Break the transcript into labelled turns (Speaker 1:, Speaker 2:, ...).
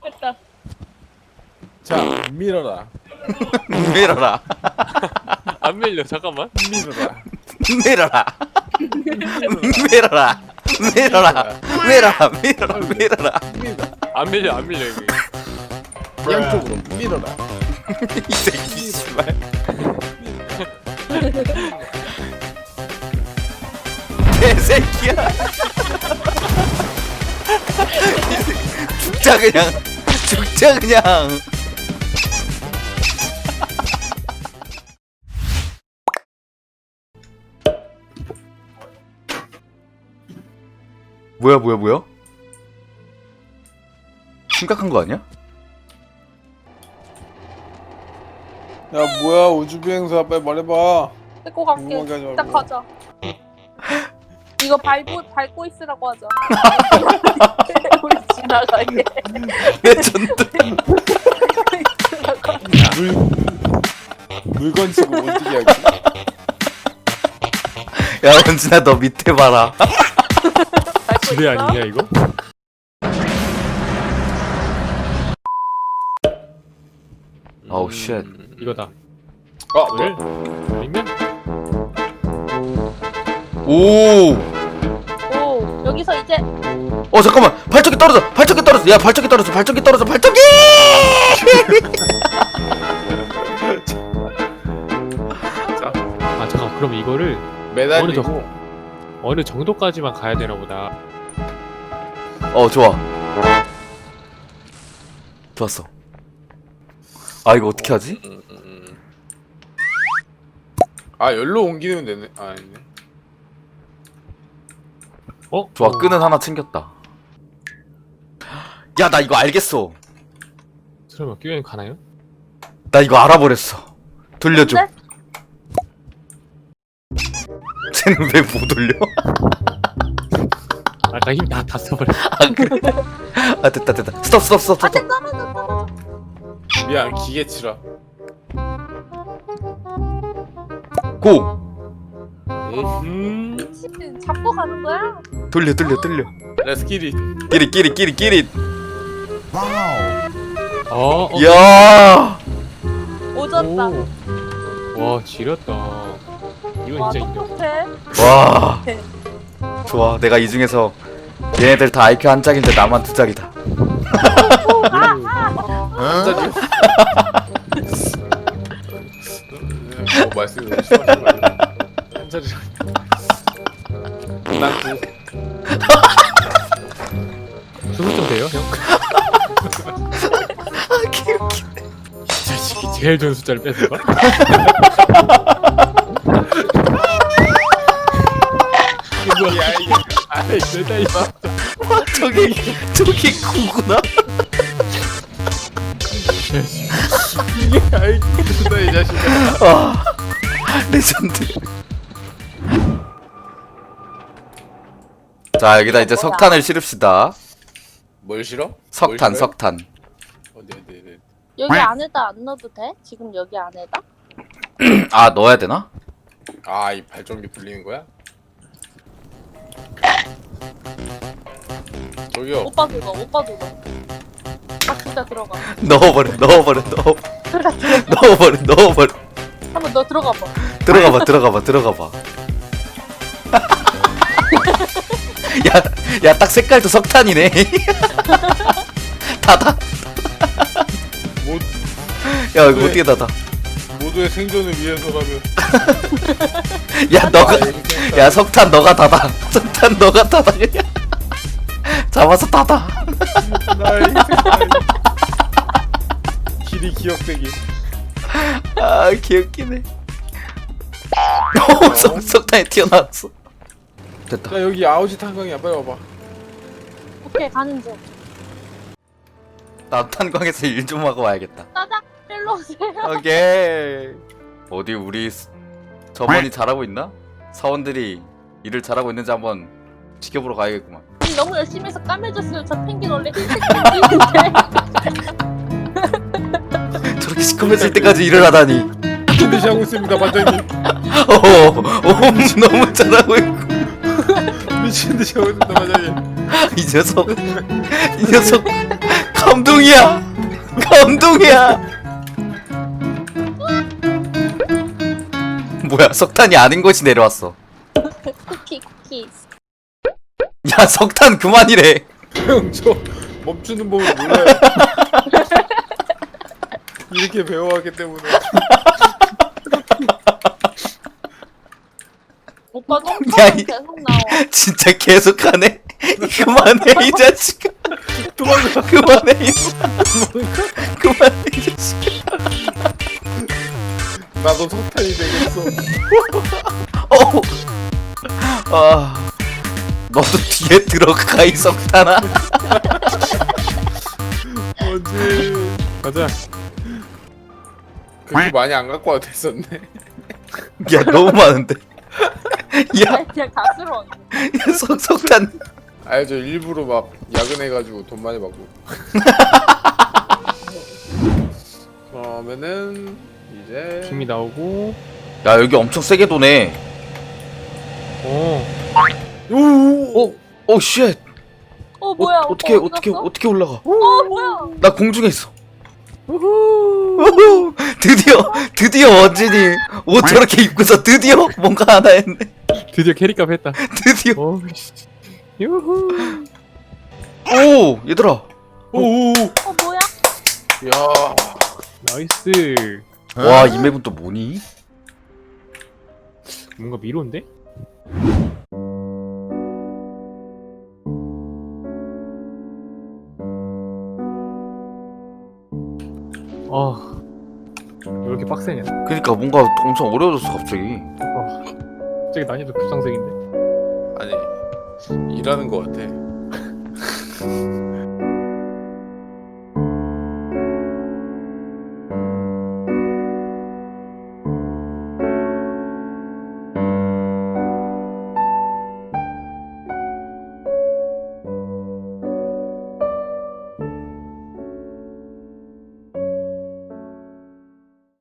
Speaker 1: 됐다.
Speaker 2: 자, 밀어라.
Speaker 3: 밀어라.
Speaker 4: 안 밀려. 잠깐만.
Speaker 2: 밀어라.
Speaker 3: 밀어라. 밀어라. 밀어라. 밀어라. 밀어라. 밀어라.
Speaker 4: 안 밀려. 안 밀려 이게.
Speaker 2: 양쪽으로 밀어라.
Speaker 3: 이 새끼 씨발. 개새끼야. 죽자 그냥. 죽자 그냥. 뭐야? 심각한 거 아니야?
Speaker 2: 야, 뭐야, 우주비행사 빨리 말해봐.
Speaker 1: 데리고 갈게.
Speaker 2: 궁금하게 하지
Speaker 1: 일단
Speaker 2: 말고.
Speaker 1: 가자. 이거 밟고 있으라고 하자. 우리 지나가게.
Speaker 3: 레전드.
Speaker 2: 물건 치고 어떻게 하지?
Speaker 3: 야 원진아 너 밑에 봐라.
Speaker 1: 밟고
Speaker 4: 지뢰
Speaker 1: 있어?
Speaker 4: 아니냐 이거?
Speaker 3: 어우 쉣.
Speaker 4: 이거다.
Speaker 2: 뭐야?
Speaker 4: 밀면?
Speaker 3: 오.
Speaker 1: 오, 여기서 이제
Speaker 3: 잠깐만. 발전기 떨어져. 야 발전기 떨어져. 발전기.
Speaker 4: 아 잠깐. 그럼 이거를
Speaker 2: 매달리고.
Speaker 4: 어느 정도까지만 가야 되나 보다.
Speaker 3: 좋아. 좋았어. 아 이거 어떻게 하지?
Speaker 2: 아, 열로 옮기면 되네. 아, 아니네.
Speaker 3: 좋아 끈은 하나 챙겼다. 야 나 이거 알겠어.
Speaker 4: 설마 끼면 가나요?
Speaker 3: 나 이거 알아버렸어. 돌려줘.
Speaker 1: 근데?
Speaker 3: 쟤는 왜 못 돌려?
Speaker 4: 아까 힘 다 써버렸어.
Speaker 3: 아 그래? 아 됐다. 스톱.
Speaker 1: 안돼 떨어져.
Speaker 2: 미안, 기계치라.
Speaker 3: 고.
Speaker 1: 미친 잡고 가는 거야?
Speaker 3: 돌려.
Speaker 2: 레스키리.
Speaker 3: 끼리.
Speaker 4: 야.
Speaker 3: 야.
Speaker 1: 오졌다.
Speaker 4: 와 지렸다. 이건
Speaker 1: 와
Speaker 4: 진짜 인정.
Speaker 1: 똑똑해.
Speaker 3: 와. 좋아. 내가 이 중에서 얘네들 다 IQ 한 짝인데 나만 두 짝이다.
Speaker 2: 한자리. 말씀이 너무 심하신 거 아니야? 한자리. 난
Speaker 4: 수습 돼요 형? 이 자식이 제일 좋은 숫자를 뺏은 거?
Speaker 2: 야, 이게.
Speaker 4: 아이 내다 이봐.
Speaker 3: 저기 구구나?
Speaker 2: 이게 아이쿠다, 이 자식아.
Speaker 3: 아 레전드. 자 여기다 이제 석탄을 실읍시다.
Speaker 2: 뭘 싫어?
Speaker 3: 석탄.
Speaker 2: 네.
Speaker 1: 여기 안에다 안 넣어도 돼? 지금 여기 안에다?
Speaker 3: 아 넣어야 되나?
Speaker 2: 아, 이 발전기 불리는 거야? 저기요.
Speaker 1: 오빠도 넣어. 아 진짜 들어가.
Speaker 3: 넣어버려.
Speaker 1: 한번 너 들어가 봐.
Speaker 3: 들어가봐. 야 딱 색깔도 석탄이네. 닫아.
Speaker 2: 모,
Speaker 3: 야 이거 어떻게 닫아?
Speaker 2: 모두의 생존을 위해서라면.
Speaker 3: 야 석탄 너가 닫아. 그냥. 잡아서 닫아.
Speaker 2: 나의 길이 기억되기.
Speaker 3: 아 귀엽기네. 석탄이 튀어나왔어. 됐다.
Speaker 2: 자, 여기 아우지 탄광이야. 빨리 와봐.
Speaker 1: 오케이 가는 중.
Speaker 3: 나 탄광에서 일 좀 하고 와야겠다.
Speaker 1: 따닥 일로 오세요.
Speaker 3: 오케이. 어디 우리 점원이 잘하고 있나? 사원들이 일을 잘하고 있는지 한번 지켜보러 가야겠구만.
Speaker 1: 너무 열심히 해서 까매졌어요. 저 펭귄 원래 흰색 펭귄인데.
Speaker 3: 저렇게 시커매질 때까지 일을 하다니.
Speaker 2: 미친 듯이 하고 있습니다, 반장님.
Speaker 3: 너무 잘하고 있고.
Speaker 2: 미친 듯이 하고 있습니다, 반장님.
Speaker 3: 이 녀석 감동이야. 감동이야. 뭐야, 석탄이 아닌 것이 내려왔어.
Speaker 1: 쿠키 쿠키.
Speaker 3: 야, 석탄 그만이래.
Speaker 2: 형, 저 멈추는 법을 몰라요. 이렇게 배워왔기 때문에.
Speaker 1: 오빠
Speaker 3: 야,
Speaker 1: 똥파는
Speaker 3: 이-
Speaker 1: 계속 나와.
Speaker 3: 진짜 계속하네. 그만해 이 자식아.
Speaker 2: 도망가.
Speaker 3: 그만해 이 그만해 이 자식아.
Speaker 2: 나도 석탄이 되겠어.
Speaker 3: 어. 아, 너도 뒤에 들어가 이 석탄아.
Speaker 2: 언제?
Speaker 4: 가자.
Speaker 2: 그렇게 많이 안 갖고 와도 됐었네.
Speaker 3: 야, 너무 많은데. 야,
Speaker 1: 아니, 그냥 가스로.
Speaker 3: 석탄.
Speaker 2: 아니, 저 일부러 막 야근해가지고 돈 많이 받고. 그러면은 이제
Speaker 4: 팀이 나오고.
Speaker 3: 야, 여기 엄청 세게 도네.
Speaker 4: 어.
Speaker 2: 오.
Speaker 3: 오 쉣.
Speaker 1: 뭐야?
Speaker 3: 어떻게
Speaker 1: 오빠 어디 갔어?
Speaker 3: 어떻게 올라가?
Speaker 1: 뭐야?
Speaker 3: 나 공중에 있어. 우후. 드디어 원진이 옷 저렇게 입고서 드디어 뭔가 하나 했네.
Speaker 4: 드디어 캐릭값 했다.
Speaker 3: 드디어.
Speaker 4: 오 씨. 유후.
Speaker 3: 오, 얘들아.
Speaker 2: 오.
Speaker 1: 뭐야?
Speaker 2: 야.
Speaker 4: 나이스.
Speaker 3: 와, 이 맵은 또 뭐니?
Speaker 4: 뭔가 미로인데? 아, 왜 이렇게 빡세냐?
Speaker 3: 그러니까 뭔가 엄청 어려워졌어 갑자기.
Speaker 4: 갑자기 난이도 급상승인데?
Speaker 2: 아니, 일하는 거 같아.